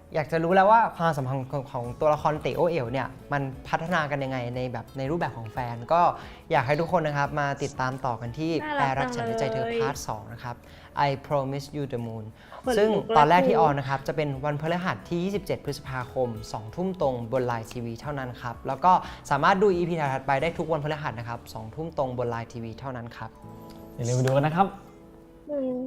Speaker 4: อยากจะรู้แล้วว่าความสัมพันธ์ของตัวละครเต๋อโอเอ๋วเนี่ยมันพัฒนากันยังไงในรูปแบบของแฟนก็อยากให้ทุกคนนะครับมาติดตามต่อกันที่
Speaker 1: น่า
Speaker 4: แปร
Speaker 1: รัก
Speaker 4: รักฉันในใจเธอ
Speaker 1: จังเลย
Speaker 4: พาร์ท 2 นะครับ I Promise You the Moon
Speaker 1: ขนลุก
Speaker 4: ซึ่ง
Speaker 1: เลย
Speaker 4: ตอนแรกที่
Speaker 1: กู
Speaker 4: ออนนะครับจะเป็นวันพฤหัสที่ 27 พฤษภาคม 2 ทุ่มตรงบน Line TV เท่านั้นครับแล้วก็สามารถดู EP ถัดไปได้ทุกวันพฤหัสนะครับ 2 ทุ่มตรงบน Line TV เท่านั้นครับ
Speaker 5: อย่าลืมไปดูกันนะครับ
Speaker 1: มึง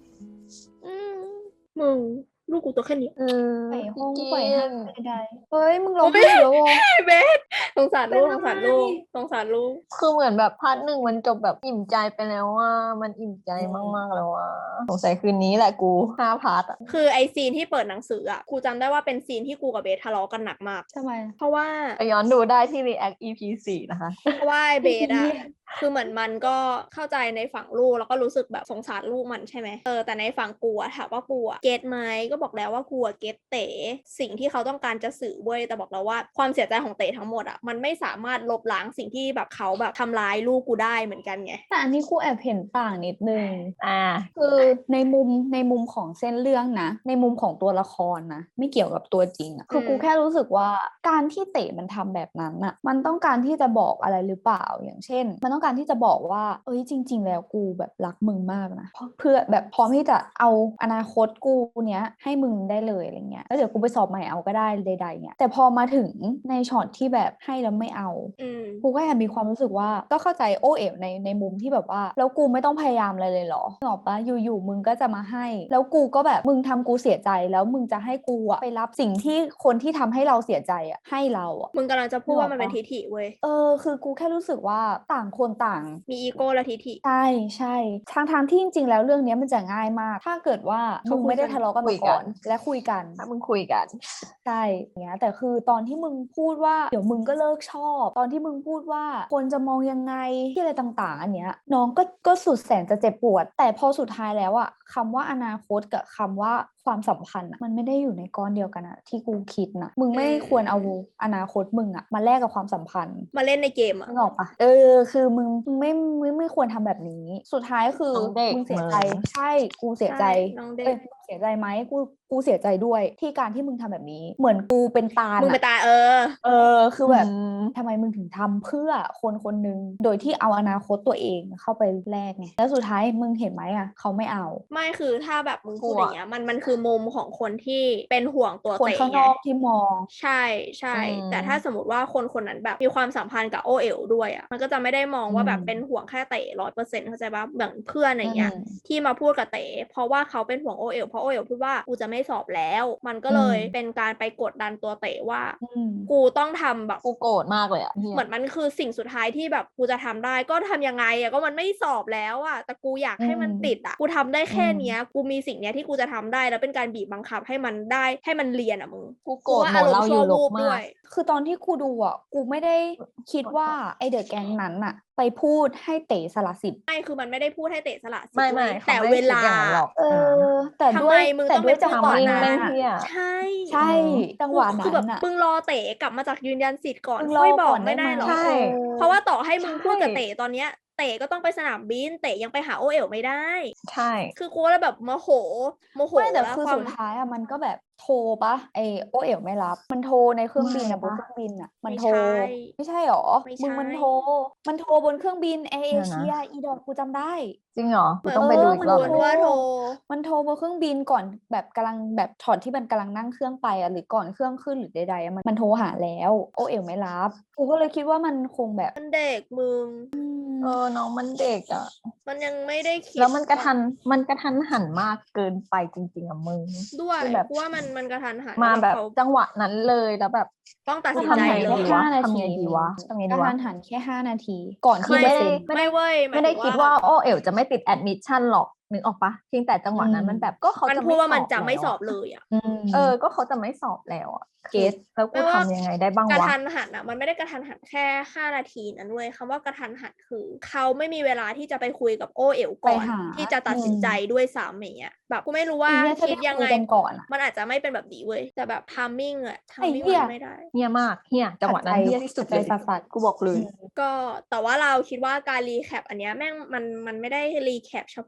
Speaker 1: มึงลูกกูตัวแค่นี้
Speaker 3: ไปห้อง
Speaker 6: พี่
Speaker 3: ไป
Speaker 6: เก
Speaker 3: ห้าง
Speaker 6: ณฑ์
Speaker 3: ใดๆเฮ้ยมึงร้องไห้แล้ววะ
Speaker 1: เบสสงสารลูกสงสารลูกสงสารลูก
Speaker 6: คือเหมือนแบบพาร์ท 1มันจบแบบอิ่มใจไปแล้วว่ามันอิ่มใจมากๆแล้วว่าสงสัยคืนนี้แหละกู5 พาร์ทอะ
Speaker 1: คือไอซีนที่เปิดหนังสืออ่ะกูจำได้ว่าเป็นซีนที่กูกับเบสทะเลาะกันหนักมาก
Speaker 3: ทำไม
Speaker 1: เพราะว่า
Speaker 6: ไปย้อนดูได้ที่ React EP 4 นะคะ
Speaker 1: เพราะว่าไอเบสอะคือเหมือนมันก็เข้าใจในฝั่งลูกแล้วก็รู้สึกแบบสงสารลูกมันใช่ไหมแต่ในฝั่งกูอะถามว่ากูอะเก็ตไหมก็บอกแล้วว่ากูอะเก็ตเต๋สิ่งที่เขาต้องการจะสื่อเว้ยแต่บอกแล้วว่าความเสียใจของเต๋ทั้งหมดอะมันไม่สามารถลบล้างสิ่งที่แบบเขาแบบทำร้ายลูกกูได้เหมือนกันไง
Speaker 3: แต่อันนี้กูแอบเห็นต่างนิดนึง
Speaker 6: อ่า
Speaker 3: คือในมุมของเส้นเรื่องนะ ในมุมของตัวละครนะ ไม่เกี่ยวกับตัวจริงอะคือกูแค่รู้สึกว่าการที่เต๋มันทำแบบนั้นอะมันต้องการที่จะบอกอะไรหรือเปล่าอย่างเช่น มันต้องการที่จะบอกว่าเอ้ยจริง ๆ แล้วกูแบบรักมึงมากนะเพื่อแบบพร้อมที่จะเอาอนาคตกูเนี้ยให้มึงได้เลยอะไรเงี้ยแล้วเดี๋ยวกูไปสอบใหม่เอาก็ได้ใดๆเนี่ยแต่พอมาถึงในช็อตที่แบบให้แล้วไม่เอา กูก็แอบมีความรู้สึกว่าก็เข้าใจโอเอ๋วในมุมที่แบบว่าแล้วกูไม่ต้องพยายามอะไรเลยเหรอนึกออกปะอยู่ๆมึงก็จะมาให้ แล้วกูก็แบบมึงทำกูเสียใจแล้วมึงจะให้กูอะไปรับสิ่งที่คนที่ทำให้เราเสียใจอะให้เราอะ
Speaker 1: มึงกำลังจะพูดว่ามันเป็น
Speaker 3: นึกออกปะ
Speaker 1: ทิฐิเว้ย
Speaker 3: คือกูแค่รู้สึกว่าต่างคนต่าง
Speaker 1: มีอีโก้และทิฐิ
Speaker 3: ใช่ทางที่จริงๆแล้วเรื่องเนี้ยมันจะง่ายมาก ถ้าเกิดว่า
Speaker 1: เขา
Speaker 3: มึง
Speaker 1: คุย
Speaker 3: ไม่ได้
Speaker 1: กัน
Speaker 3: ทะเลาะกัน
Speaker 6: คุ
Speaker 3: มาย
Speaker 6: กัน
Speaker 3: ก่อนและคุยกัน
Speaker 6: ถ้ามึงคุยกัน
Speaker 3: ใช่อย่างเงี้ยแต่คือตอนที่มึงพูดว่าเดี๋ยวมึงก็เลิกชอบ ตอนที่มึงพูดว่าคนจะมองยังไงที่อะไรต่างๆ อันเนี้ยน้องก็สุดแสนจะเจ็บปวด แต่พอสุดท้ายแล้วอะคำว่าอนาคตกับคำว่าความสัมพันธ์อะมันไม่ได้อยู่ในก้อนเดียวกันอะที่กูคิดนะมึงไม่ควรเอาอนาคตมึงอะมาแลกกับความสัมพันธ์
Speaker 1: มาเล่นในเกมอะ
Speaker 3: นึกออกปะคือมึงไม่ควรทำแบบนี้ สุดท้ายคือ
Speaker 6: น้องเด็ก
Speaker 3: มึงเสียใจ
Speaker 6: มึง
Speaker 3: ใช่กูเสียใจ
Speaker 1: ใช่น้องเด็ก
Speaker 3: มึงเสียใจไหมกูเสียใจด้วยที่การที่มึงทำแบบนี้ เหมือนกูเป็นตาล
Speaker 1: มึงไป
Speaker 3: อะ
Speaker 1: ตาย
Speaker 3: คือแบบ
Speaker 6: อืม
Speaker 3: ทำไมมึงถึงทำเพื่อคนคนหนึ่งโดยที่เอาอนาคตตัวเองเข้าไปแลกไงแล้วสุดท้ายมึงเห็นไหมอะเขาไม่เอา
Speaker 1: ไม่คือถ้าแบบมึงพูด
Speaker 6: กลัว
Speaker 1: อย่างเงี้ยมันคือมุมของคนที่เป็นห่วงตัว
Speaker 3: คน
Speaker 1: เต๋
Speaker 3: ข้างน
Speaker 1: ไง
Speaker 3: อกที่มอง
Speaker 1: ใช่ใช่
Speaker 6: อืม
Speaker 1: แต่ถ้าสมมติว่าคนคนนั้นแบบมีความสัมพันธ์กับโอเอ๋วด้วยอ่ะมันก็จะไม่ได้มองว่าแบบเป็นห่วงแค่เต๋100%เข้าใจปะเหมือนเพื่อนอย่างเงี้ย ที่มาพูดกับเต๋เพราะว่าเขาเป็นห่วงโอเอ๋วเพราะโอเอ๋วพูดว่ากูจะไม่สอบแล้ว มันก็เลยเป็นการไปกดดันตัวเต๋ว่า
Speaker 3: อืม
Speaker 1: กูต้องทำแบบ
Speaker 6: กูโกรธมากเลยอะเหี้ย
Speaker 1: เหมือนมันคือสิ่งสุดท้ายที่แบบกูจะทำได้ก็ทำยังไงอะก็มันไม่สอบแล้วอะแต่กูอยากให้มันติดอะกูทำได้แค่เนี้ยกูมีสิ่งเนี้ยที่กูจะทำได้แล้วเป็นการบีบบังคับให้มันได้ให้มันเรียนอะมึง
Speaker 6: กูโกรธ
Speaker 1: ว่า
Speaker 6: หม
Speaker 1: อา
Speaker 6: ด
Speaker 1: รม
Speaker 6: เรา
Speaker 1: ณ์
Speaker 6: อ
Speaker 1: ชั่ว
Speaker 6: ยู่ล
Speaker 1: วู
Speaker 6: บบ มา
Speaker 1: ด้วย
Speaker 6: ก
Speaker 3: คือตอนที่กูดูอ่ะกูไม่ได้คิดว่าไอเดอะแก๊งนั้นอะไปพูดให้เต๋สละสิทธิ์
Speaker 1: ไม่คือมันไม่ได้พูดให้เตะสละสิท
Speaker 6: ไม่
Speaker 1: ธิ์
Speaker 6: ไม่
Speaker 1: เว้ย
Speaker 6: เขา
Speaker 1: แต่
Speaker 6: ไม่
Speaker 1: เว
Speaker 6: คิด
Speaker 1: ลา
Speaker 6: อย่างนั้นหรอก
Speaker 3: แต่
Speaker 1: ทำ
Speaker 3: ด้ว
Speaker 1: ไม
Speaker 3: ย
Speaker 1: มึง
Speaker 3: แต่
Speaker 1: ต้อง
Speaker 3: ด้วย
Speaker 1: ไป
Speaker 3: จังหวะ
Speaker 1: พูดก่อน
Speaker 3: นั้น
Speaker 1: นะ
Speaker 3: อะ
Speaker 6: เหี้ย
Speaker 1: ใช่
Speaker 3: ใช่ จังหวะ
Speaker 1: คือ
Speaker 3: นั้
Speaker 1: แบบ
Speaker 3: นอะ
Speaker 1: มึงรอเตะกลับมาจากยืนยันสิทธิ์ก่อน
Speaker 3: มึงรอ
Speaker 1: ค่อยบอ
Speaker 3: ก่
Speaker 1: ก
Speaker 3: อน
Speaker 1: ไม่ได้หรอ
Speaker 3: ได้ไหม
Speaker 6: ใช่
Speaker 1: เพราะว่าต่อให้มึง
Speaker 3: ใช่
Speaker 1: พูดกับเตะตอนเนี้ยเตะก็ต้องไปสนามบินเตะยังไปหาโอเอ๋วไม่ได้
Speaker 6: ใช่
Speaker 1: คือกูเลยแบบโมโห
Speaker 3: ไม่แต่
Speaker 1: แล้ว
Speaker 3: คือ
Speaker 1: ความ
Speaker 3: สุดท้ายอะมันก็แบบโทรปะไอโอเอ๋วไม่รับ มันโทรในเครื่องบินอะบ
Speaker 6: ไม่
Speaker 3: น
Speaker 6: ปะ
Speaker 3: เครื่องบินอะมัน
Speaker 1: ไม่
Speaker 3: โทร
Speaker 1: ใช่
Speaker 3: ไม่ใช่หรอ
Speaker 1: ไม่
Speaker 3: มึง
Speaker 1: ใช่
Speaker 3: มันโทรบนเครื่องบินแอร์เอ
Speaker 6: เดี๋ยวนะ
Speaker 3: เชียอีดอกกูจำได้
Speaker 6: จริงเหรอ
Speaker 1: เหมื
Speaker 6: กู
Speaker 1: อน
Speaker 6: ต้องไปดูอี
Speaker 3: มั
Speaker 6: ก
Speaker 3: น
Speaker 6: รอบ
Speaker 1: เหมือน
Speaker 6: หนึ่ง
Speaker 1: ว่าโทร
Speaker 3: มันโทรบนเครื่องบินก่อนแบบกำลังแบบช็อตที่มันกำลังนั่งเครื่องไปอะหรือก่อนเครื่องขึ้นหรือใดๆอะมันโทรหาแล้วโอเอ๋วไม่รับกูก็เลยคิดว่ามันคงแบบ
Speaker 1: มันเด็กมึง
Speaker 6: น้องมันเด็กอ่ะ
Speaker 1: มันยังไม่ได้คิด
Speaker 6: แล้วมันกระทันหันมากเกินไปจริงๆอ่ะมึง
Speaker 1: ด้วย
Speaker 6: คือแบบ
Speaker 1: กูว่ามันกระทันหัน
Speaker 6: มา
Speaker 1: ล้ว
Speaker 6: แบบ
Speaker 1: เขา
Speaker 6: จังหวะนั้นเลยแล้วแบบ
Speaker 1: ต้องตัด
Speaker 6: กู
Speaker 1: สิน
Speaker 6: ทำ
Speaker 1: ใจ
Speaker 6: ไง
Speaker 1: เล
Speaker 6: ดี
Speaker 1: ยว
Speaker 6: ะ
Speaker 3: 5 นา
Speaker 6: ทำ
Speaker 3: ที
Speaker 6: ไงดีวะทำไง
Speaker 3: ก
Speaker 6: ดี
Speaker 3: ระ
Speaker 6: วะ
Speaker 3: ทันหันแค่ 5 นาที ก่อนที่
Speaker 6: ไม่
Speaker 3: จะ
Speaker 6: ได้
Speaker 3: เซ็น
Speaker 1: ไม่เว้ยหย
Speaker 6: ไม่ได้
Speaker 1: ถึง
Speaker 6: คิดว่าโอเอ๋วจะไม่ติดแอดมิชชั่นหรอกนึกออกปะเพียงแต่จังหวะนั้นมันแบบก็เขา
Speaker 1: มัน
Speaker 6: จะ
Speaker 1: พู
Speaker 6: ไม่
Speaker 1: ดว่ามัน
Speaker 6: สอบ
Speaker 1: จะไม่
Speaker 6: แล้ว
Speaker 1: สอบ
Speaker 6: อะ
Speaker 1: เลยอ่ะ
Speaker 6: ก็เขาจะไม่สอบแล้วอ่ะ
Speaker 3: เก็ต
Speaker 6: แล้วกู
Speaker 1: ไม่ว่า
Speaker 6: ทำยังไงได้บ้าง
Speaker 1: กระ
Speaker 6: วะ
Speaker 1: ทันหันอ่ะมันไม่ได้กระทันหันแค่5 นาทีนั้นเว้ยคำว่ากระทันหันคือเขาไม่มีเวลาที่จะไปคุยกับโอเอ๋วก่อน
Speaker 3: ไปหา
Speaker 1: ที่จะตัดสินใจด้วยซ้ำอย่างเงี้ยแบบกูไม่รู้ว่า
Speaker 3: ไอ้เนี่ยถ้า
Speaker 1: คิด
Speaker 3: ได้
Speaker 1: ยัง
Speaker 3: คุ
Speaker 1: ไง
Speaker 3: ยกันก่อนอะ
Speaker 1: มันอาจจะไม่เป็นแบบนี้เว้ยแต่แบบทามมิ่งอะทามมิ่ง
Speaker 3: ไอ้เหี้ย
Speaker 1: มันไม่ได้
Speaker 6: เฮียมากเฮียจังหวะนั้นเฮียที่สุด
Speaker 3: ใจ
Speaker 6: เลย
Speaker 3: สัส
Speaker 6: กูบอกเลย
Speaker 1: ก็แต่ว่าเราคิดว่าการรีแคปอันเนี้ยแม่งมันไม่ได้รีแคปเฉพาะว่าเนื้อ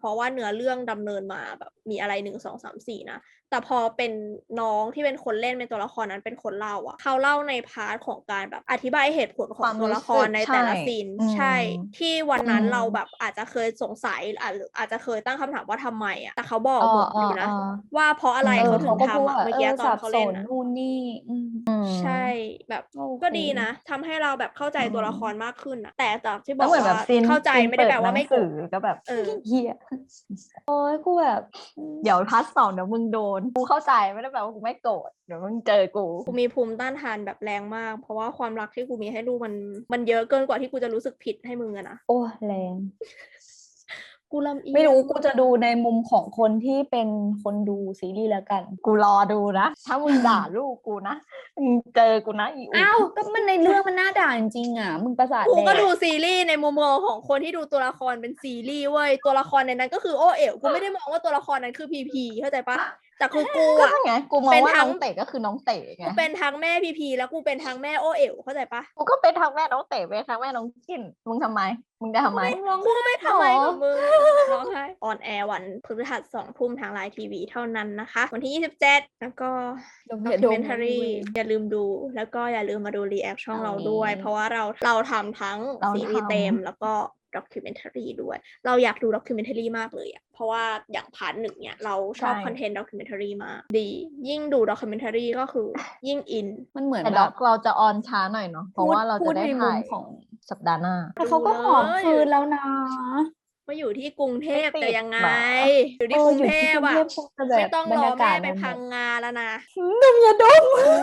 Speaker 1: อเรื่องดำเนินมาแบบมีอะไร1 2 3 4นะแต่พอเป็นน้องที่เป็นคนเล่นเป็นตัวละครนั้นเป็นคนเล่าอะเขาเล่าในพาร์ทของการแบบอธิบายเหตุผลของตัวละครในแต่ละซีนใช่ที่วันนั้นเราแบบอาจจะเคยสงสัยหรืออาจจะเคยตั้งคำถามว่าทำไมอะแต่เขาบอกหมดอยู่นะว่าเพราะอะไรเขาถึงทำอะเมื่อกี้ตอนเขาเล่นนะ
Speaker 3: นู่นนี่
Speaker 1: ใช่แบบ
Speaker 3: โอเค
Speaker 1: ก็ดีนะทำให้เราแบบเข้าใจตัวละครมากขึ้นนะแต่จากที่บ
Speaker 6: แล้
Speaker 1: อ
Speaker 6: ว
Speaker 1: ก
Speaker 6: เหมือนแบ
Speaker 1: ว่า
Speaker 6: บซีน
Speaker 1: เข้าใจ
Speaker 6: ซีน
Speaker 1: ไม่ได้แปลว่าไม่
Speaker 6: เปิ
Speaker 1: โกร
Speaker 6: ดหนังสื
Speaker 1: ธ
Speaker 6: อก็แบบ
Speaker 3: เฮียโอ้ยกูแบบ
Speaker 6: เดี๋ยวพาร์ท 2เดี๋ยวมึงโดนกูเข้าใจไม่ได้แปลว่ากูไม่โกรธเดี๋ยวมึงเจอกู
Speaker 1: กูมีภูมิต้านทานแบบแรงมาก เพราะว่าความรักที่กูมีให้ลูกมันเยอะเกินกว่าที่กูจะรู้สึกผิดให้มึงอะนะ
Speaker 3: โอ้แรง
Speaker 1: กูลำเอียง
Speaker 3: ไม่รู้กูจะดูในมุมของคนที่เป็นคนดูซีรีส์แล้วกัน
Speaker 6: กูรอดูนะ ถ้ามึงด่าลูกกูนะมึงเจอกูนะอีอู
Speaker 3: อ้าวก็มันในเรื่องมันน่าด่าจริงๆอ่ะมึงประสาท
Speaker 1: กู
Speaker 3: แด
Speaker 1: ก็
Speaker 3: ก
Speaker 1: ดูซีรีส์ในมุมมองของคนที่ดูตัวละครเป็นซีรีส์เว้ยตัวละครในนั้นก็คือโอเอ๋วกูไม่ได้มองว่าตัวละครนั้นคือพีพีเข้าใจปะแต่คือกู
Speaker 6: ก็
Speaker 1: อะ
Speaker 6: ใช่ไงกูมอง
Speaker 1: เป็น
Speaker 6: ว่า
Speaker 1: ทั้
Speaker 6: น้
Speaker 1: ง
Speaker 6: องเต๋ก็คือน้องเต๋ไง
Speaker 1: กูเป็นทั้งแม่พีพีแล้วกูเป็นทั้งแม่โอเอ๋วเข้าใจปะ
Speaker 6: กูก็เป็นทั้งแม่น้องเต๋เป็นทั้งแม่น้องกินมึงทำไมมึงจะทำไม
Speaker 1: กูไม่ทำไมกับมึงร้องไห้ออนแอร์วันพฤหัส2 ทุ่มทางไลน์ทีวีเท่านั้นนะคะ วันที่ 27 แล้วก็
Speaker 3: ดม
Speaker 1: ด็อ
Speaker 3: อย่า
Speaker 1: กิ
Speaker 3: ด
Speaker 1: เม
Speaker 3: ม
Speaker 1: นทารีอย่าลืมดูแล้วก็อย่าลืมมาดูรีแอคช่องเราด้วย เพราะว่าเราทำทั้ง
Speaker 6: เรา
Speaker 1: ซีรีส์
Speaker 6: ทำ
Speaker 1: เต็มแล้วก็ด็อกิเมนทารีด้วย เราอยากดูด็อกิเมนทารีมากเลยอะเพราะว่าอย่างพาร์ท 1เนี่ยเราชอบคอนเทนต์ด็อกิเมนทารีมากดี ยิ่งดูด็อกิเมนทารีก็คือยิ่งอิน
Speaker 3: มันเหมือน
Speaker 6: แต่
Speaker 3: แบ
Speaker 6: ด็อบ กเราจะออนช้าหน่อยเนาะเพราะว่าเรา
Speaker 3: พู
Speaker 6: จะ
Speaker 3: ด
Speaker 6: ได้
Speaker 3: ในมุ
Speaker 6: ถ่าม ย
Speaker 3: ของ
Speaker 6: สัปดาห์หน้า
Speaker 3: แต่เขาก็หอมคืนแล้วนะ
Speaker 1: มาอยู่ที่กรุงเทพ
Speaker 6: ไม่ติด
Speaker 1: แต่ยังไง
Speaker 6: หรอ
Speaker 1: อยู่ที่กรุงเทพ
Speaker 3: อยู่
Speaker 1: อะ
Speaker 3: ที่กรุงเทพคงจะแบบ
Speaker 1: ไม่ต้อง
Speaker 3: บร
Speaker 1: ร
Speaker 3: ร
Speaker 1: อย
Speaker 3: ากา
Speaker 1: แม่
Speaker 3: ศ
Speaker 1: ไป
Speaker 3: มัน
Speaker 1: พังงาแล้วนะ
Speaker 3: ดมอย่าดม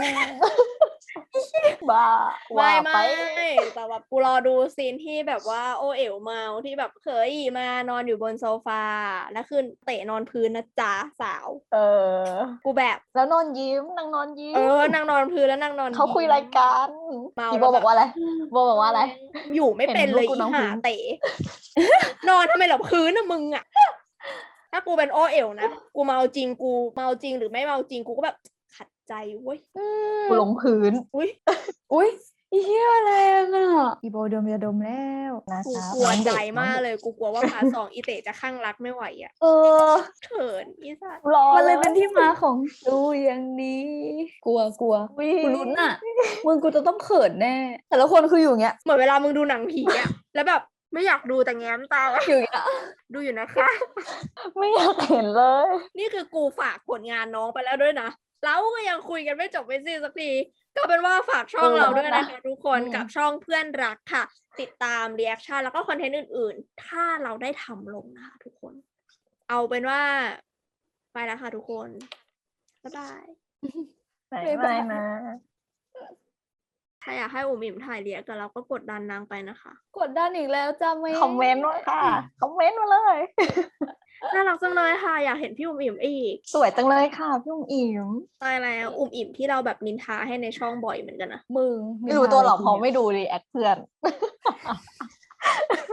Speaker 6: บ้า
Speaker 1: ไม่
Speaker 6: ว่าไป
Speaker 1: แต่แบบกูรอดูซีนที่แบบว่าโอเอ๋วเมาที่แบบเคยมานอนอยู่บนโซฟาแล้วคือเตะนอนพื้นนะจ๊ะสาว
Speaker 6: เออ
Speaker 1: กูแบบ
Speaker 6: แล้วนอนยิ้มนางนอนยิ้ม
Speaker 1: นางนอนพื้นแล้วนางนอน
Speaker 6: เขาคุยรายการ
Speaker 1: เมา
Speaker 6: อี
Speaker 1: แล้ว
Speaker 6: โบบอกว่าอะไรโบบอกว่าอะไร
Speaker 1: อยู่ไม่เป็นเลย
Speaker 6: เห็นลูกกูนอน
Speaker 1: อี
Speaker 6: พื้
Speaker 1: หาน เตะ นอนทำไมหลับพื้นนะมึงอะถ้ากูเป็นโอเอ๋วนะกูเมาจริงกูเมาจริงหรือไม่เมาจริงกูก็แบบขัดใจเว้ย
Speaker 6: กูลงพื้น
Speaker 1: อุ้ย
Speaker 3: อุ้ยอีเหี้ยแรงอ่ะอีโบดมอย่าดมแล้ว
Speaker 6: นะ
Speaker 1: กู
Speaker 6: คะ
Speaker 1: กลัว
Speaker 6: น้อง
Speaker 1: ใจ
Speaker 6: เด็ก
Speaker 1: มาก
Speaker 6: น้อง
Speaker 1: เลย กูกลัวว่าพาร์ท 2อีเต๋จะข้างรักไม่ไหวอ่ะ
Speaker 3: เออ
Speaker 1: เขินอีสัตว์
Speaker 6: รอ
Speaker 3: มันเลยเป็นที่มาของดูอย่างนี้ กลัวกูลุ้นอ่ะ มึงกูจะต้องเขินแน่ แต่ละคนคืออยู่อย่างเงี้ย
Speaker 1: เหมือนเวลามึงดูหนังผีอ่ะ แล้วแบบไม่อยากดูแต่แง้มตา
Speaker 3: อยู่อย่างเงี้ย
Speaker 1: ดูอยู่นะคะ
Speaker 6: ไม่อยากเห็นเลย
Speaker 1: นี่คือกูฝากผลงานน้องไปแล้วด้วยนะแล้วก็ยังคุยกันไม่จบไม่สิ้นสักทีก็เป็นว่าฝากช่องเราด้วยนะคะทุกคนกับช่องเพื่อนรักค่ะ ติดตามรีแอคชั่นแล้วก็คอนเทนต์อื่นๆ ถ้าเราได้ทำลงนะคะทุกคน เอาเป็นว่า ไปแล้วค่ะทุกคน บ๊ายบาย
Speaker 6: ไม่นะ
Speaker 1: ถ้าอยากให้อุ๋มอิ่มถ่ายเรียกกับเราก็กดดันนางไปนะคะ
Speaker 3: กดดันอีกแล้วจ้าไม่
Speaker 6: คอมเมนต์ด้วยค่ะ คอมเมนต์มาเลย
Speaker 1: น่ารักจังเลยค่ะ อยากเห็นพี่อุ๋มอิ่มอีก
Speaker 6: สวยจังเลยค่ะพี่อุ๋มอิ๋ม
Speaker 1: ตายแล้วอุ๋มอิ่มที่เราแบบนินทาให้ในช่องบ่อยเหมือนกันนะ
Speaker 3: มึง
Speaker 6: ไม่รู้ตัวหรอกเพราะไม่ดูรีแอคเพื่อน